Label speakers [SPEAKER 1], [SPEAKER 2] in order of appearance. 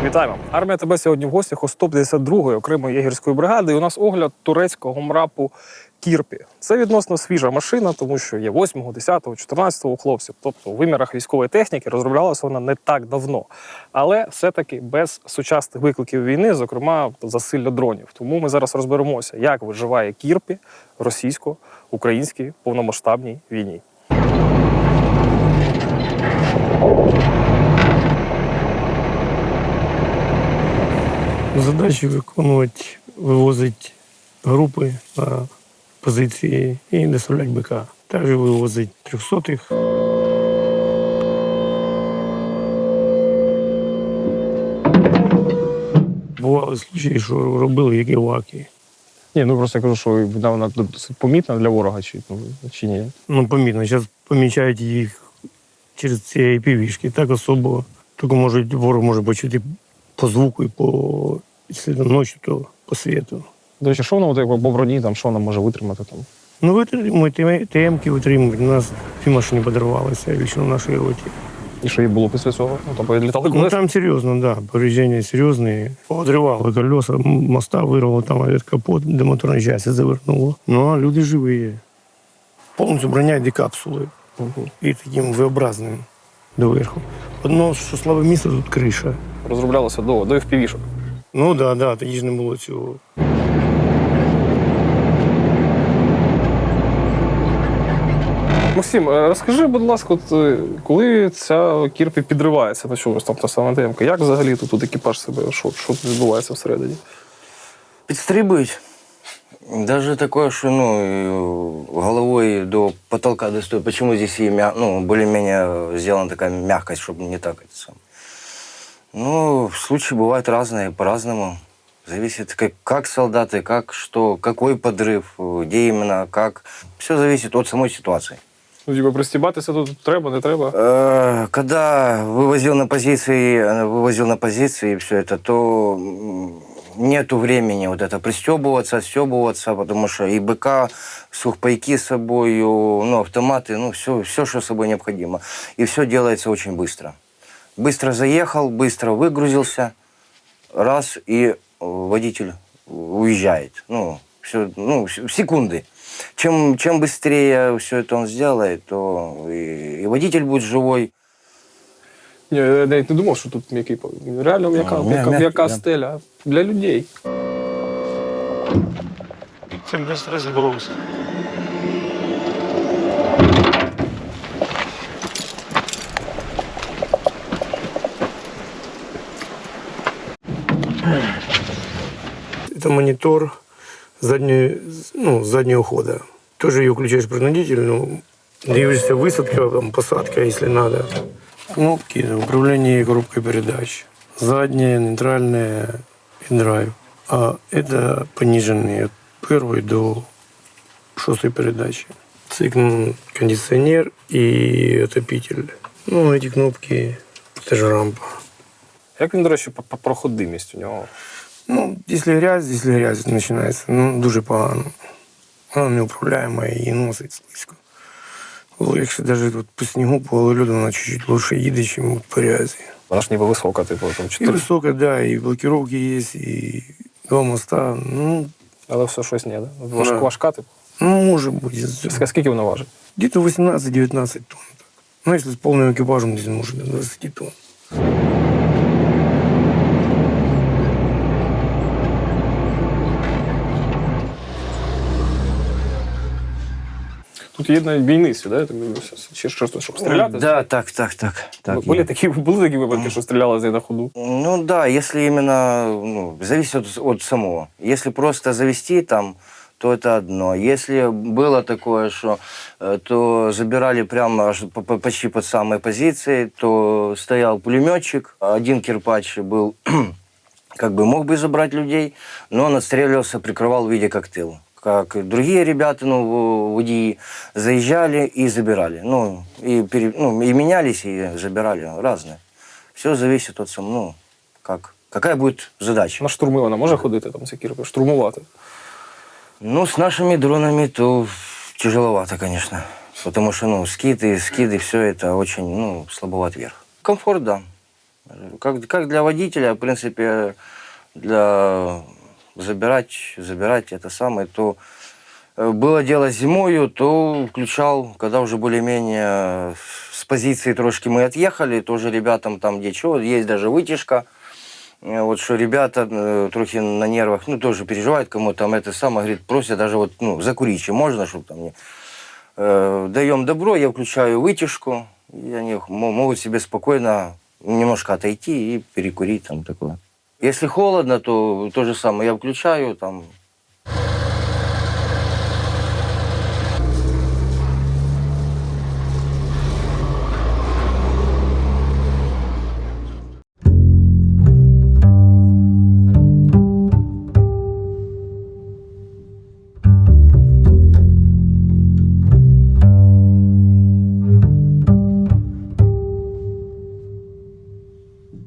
[SPEAKER 1] Вітаємо! Армія ТБ сьогодні в гостях у 152-ї окремої єгерської бригади. І у нас огляд турецького МРАПу «Кірпі». Це відносно свіжа машина, тому що є 8-го, 10-го, 14-го у хлопців. Тобто у вимірах військової техніки розроблялася вона не так давно. Але все-таки без сучасних викликів війни, зокрема засилля дронів. Тому ми зараз розберемося, як виживає «Кірпі» в російсько-українській повномасштабній війні.
[SPEAKER 2] Задачі виконувати, вивозити групи на позиції і доставляти БК. Також вивозити 300-х. Бували случаї, що робили як іваки.
[SPEAKER 1] Ні, ну просто я кажу, що вона досить помітна для ворога, чи ні?
[SPEAKER 2] Ну, помітно. Зараз помічають їх через ці IPV-шки. Так особо, тільки ворог може почути по звуку і по, якщо ночі, то по світу.
[SPEAKER 1] До речі, що воно по броні, там, що вона може витримати? Там?
[SPEAKER 2] Ну, витримують, ТМ-ки витримують. У нас дві машини подорвалися лично в нашій роті.
[SPEAKER 1] І що їй було після цього? Ну, там повідлітали колеса?
[SPEAKER 2] Ну, там серйозно, так. Да. Повреждення серйозні. Подривали колеса, моста вирвало, там капот, де моторна частина завернуло. Ну, а люди живі. Повністю броня йде капсули. І таким V-образним доверху. Одно, що слабе місце, тут криша.
[SPEAKER 1] Розроблялося до FPV-шок.
[SPEAKER 2] Ну, так, да, тоді ж не було цього.
[SPEAKER 1] Максим, розкажи, будь ласка, коли ця «Кірпі» підривається на чомусь, там та сама темка, як взагалі тут екіпаж себе, що тут відбувається всередині?
[SPEAKER 3] Підстрибують. Даже такое, что головой до потолка достает. Почему здесь и более-менее сделана такая мягкость, чтобы не так это сам. Ну, случаи бывают разные, по-разному. Зависит, как солдаты, как что, какой подрыв, где именно, как. Все зависит от самой ситуации.
[SPEAKER 1] Ну, типа, пристібатися тут треба, не треба?
[SPEAKER 3] Когда вывозил на позиции все это, то нету времени вот это пристебываться, отстебываться, потому что и БК, сухпайки с собой, автоматы, все, что с собой необходимо. И все делается очень быстро. Быстро заехал, быстро выгрузился, раз, и водитель уезжает. В секунды. Чем быстрее все это он сделает, то и водитель будет живой.
[SPEAKER 1] Ні, я навіть не думав, що тут м'який. Реально м'яка стеля для людей.
[SPEAKER 2] Це без розброс. Это монитор заднего хода. Тоже ее включаешь принудительно, дивишься высадка, там, посадка, если надо. Кнопки, управление коробкой передач. Задняя, нейтральная и драйв. А это пониженные от первой до 6 передачи. Цикл, кондиционер и отопитель. Ну, эти кнопки, это же рампа.
[SPEAKER 1] Як він, до речі, по проходимість у нього?
[SPEAKER 2] Ну, якщо грязь починається, дуже погано. Вона неуправляема і носить слизько. Якщо навіть по снігу, по льоду, вона чуть-чуть лучше їде, ніж по грязі.
[SPEAKER 1] Вона ж ніби висока, типу, там 4.
[SPEAKER 2] І висока, да, і блокировки є, і 2 моста.
[SPEAKER 1] Але все щось не, да? Важка, типу?
[SPEAKER 2] Може бути.
[SPEAKER 1] Скільки вона важить?
[SPEAKER 2] Где-то 18-19 тонн. Ну, якщо з повним екіпажем, десь може до 20 тонн.
[SPEAKER 1] Тут є навіть бійниці, да? Я так дивлюся. Чи щось, щоб стріляти?
[SPEAKER 3] Да, так.
[SPEAKER 1] Були такі випадки, що стріляли на ходу?
[SPEAKER 3] Ну да, если именно, зависит от самого. Если просто завести там, то это одно. Если было такое, что то забирали прямо аж почти под самой позиции, то стоял пулеметчик, один кирпач был, мог бы забрать людей, но он отстреливался, прикрывал в виде коктейля. Как другие ребята, водии, заезжали и забирали. И менялись, и забирали. Разные. Все зависит от самого, какая будет задача.
[SPEAKER 1] На штурми вона може ходити, там, ці «Кірпі», штурмувати?
[SPEAKER 3] С нашими дронами то тяжеловато, конечно. Потому что, скиды, все это очень, слабоват вверх. Комфорт, да. Как для водителя, в принципе, для забирать это самое, то было дело зимою, то включал, когда уже более-менее с позиции трошки мы отъехали, тоже ребятам там где что, есть даже вытяжка. Вот что ребята трохи на нервах, ну, тоже переживают, кому там это самое, говорит, просят даже вот, ну, закурить, чем можно, чтобы там не... Даем добро, я включаю вытяжку, и они могут себе спокойно немножко отойти и перекурить там такое. Если холодно, то то же самое, я включаю, там